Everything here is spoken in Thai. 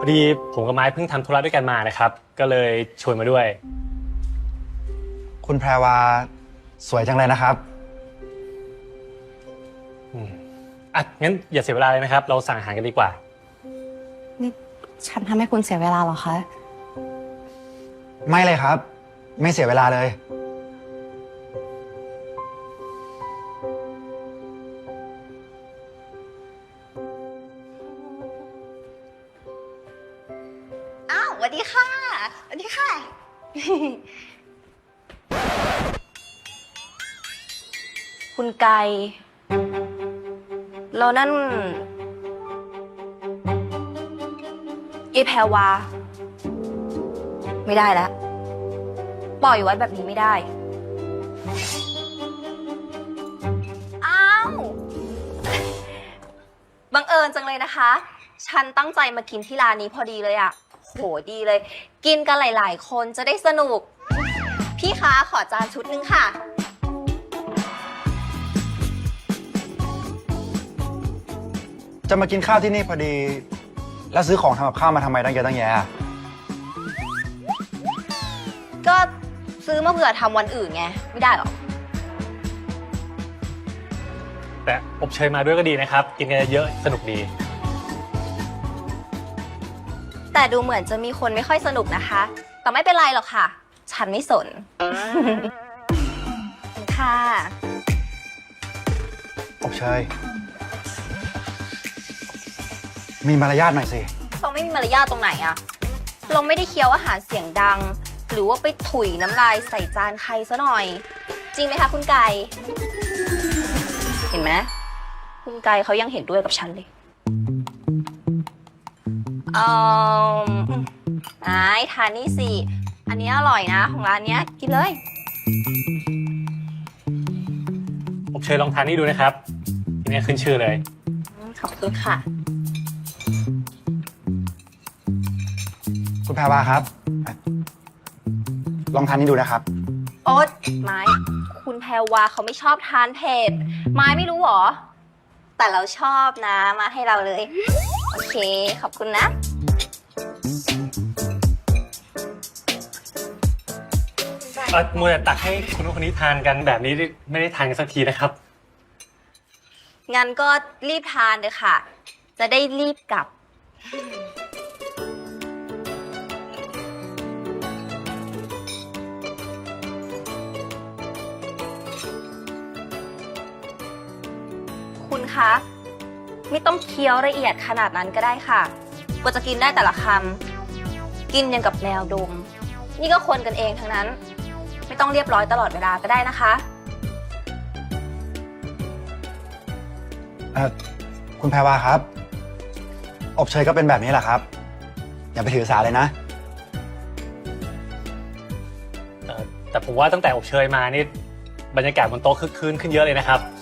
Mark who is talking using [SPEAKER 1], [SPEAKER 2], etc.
[SPEAKER 1] อดีผมกับไม้เพิ่งทำธุระด้วยกันมานะครับก็เลยชวนมาด้วย
[SPEAKER 2] คุณแพรวาสวยจังเลยนะครับ
[SPEAKER 1] งั้นอย่าเสียเวลาเลยนะครับเราสั่งอาหารกันดีกว่า
[SPEAKER 3] นี่ฉันทำให้คุณเสียเวลาเหรอคะ
[SPEAKER 2] ไม่เลยครับไม่เสียเวลาเลย
[SPEAKER 3] อ้าวสวัสดีค่ะสวัสดีค่ะ คุณไก่แล้วนั่นยายแพรวาไม่ได้แล้วปล่อยไว้แบบนี้ไม่ได้อ้าวบังเอิญจังเลยนะคะฉันตั้งใจมากินที่ร้านนี้พอดีเลยอะโหดีเลยกินกันหลายๆคนจะได้สนุกพี่คะขอจานชุดนึงค่ะ
[SPEAKER 2] จะมากินข้าวที่นี่พอดีแล้วซื้อของทำกับข้าวมาทำไมตั้งเยอะตั้งแยะ
[SPEAKER 3] ก็ซื้อมาเผื่อทำวันอื่นไงไม่ได้หรอ
[SPEAKER 1] แต่อบเชยมาด้วยก็ดีนะครับกินกันเยอะสนุกดี
[SPEAKER 3] แต่ดูเหมือนจะมีคนไม่ค่อยสนุกนะคะแต่ไม่เป็นไรหรอกค่ะฉันไม่สน ค่ะ
[SPEAKER 2] อบเชยมีมารยาทหน่อยสิ
[SPEAKER 3] เราไม่มีมารยาทตรงไหนอะเราไม่ได้เคี้ยวอาหารเสียงดังหรือว่าไปถุยน้ำลายใส่จานใครซะหน่อยจริงไหมคะคุณไก่เห็นไหมคุณไก่เขายังเห็นด้วยกับฉันเลยไอ้ทานนี่สิอันนี้อร่อยนะของร้านเนี้ยกินเลย
[SPEAKER 1] อบเชยลองทานนี่ดูนะครับอันนี้ขึ้นชื่อเลย
[SPEAKER 3] ขอบคุณค่ะ
[SPEAKER 2] คุณแพรวาครับลองทานนี้ดูนะครับ
[SPEAKER 3] โอ๊ตไม้คุณแพรวาเขาไม่ชอบทานเผ็ดไม้ไม่รู้หรอแต่เราชอบนะมาให้เราเลยโอเคขอบคุณนะ
[SPEAKER 1] มัวแต่ตักให้คุณคนนี้ทานกันแบบนี้ไม่ได้ทานกันสักทีนะครับ
[SPEAKER 3] งั้นก็รีบทานเลยค่ะจะได้รีบกลับคุณคะไม่ต้องเคี้ยวละเอียดขนาดนั้นก็ได้ค่ะกว่าจะกินได้แต่ละคำกินอย่างกับแมวดมนี่ก็คนกันเองทั้งนั้นไม่ต้องเรียบร้อยตลอดเวลาก็ได้นะคะ
[SPEAKER 2] คุณแพรวาครับอบเชยก็เป็นแบบนี้แหละครับอย่าไปถือสาเลยนะ
[SPEAKER 1] แต่ผมว่าตั้งแต่อบเชยมานี่บรรยากาศบนโต๊ะคึกคืนขึ้นเยอะเลยนะครับ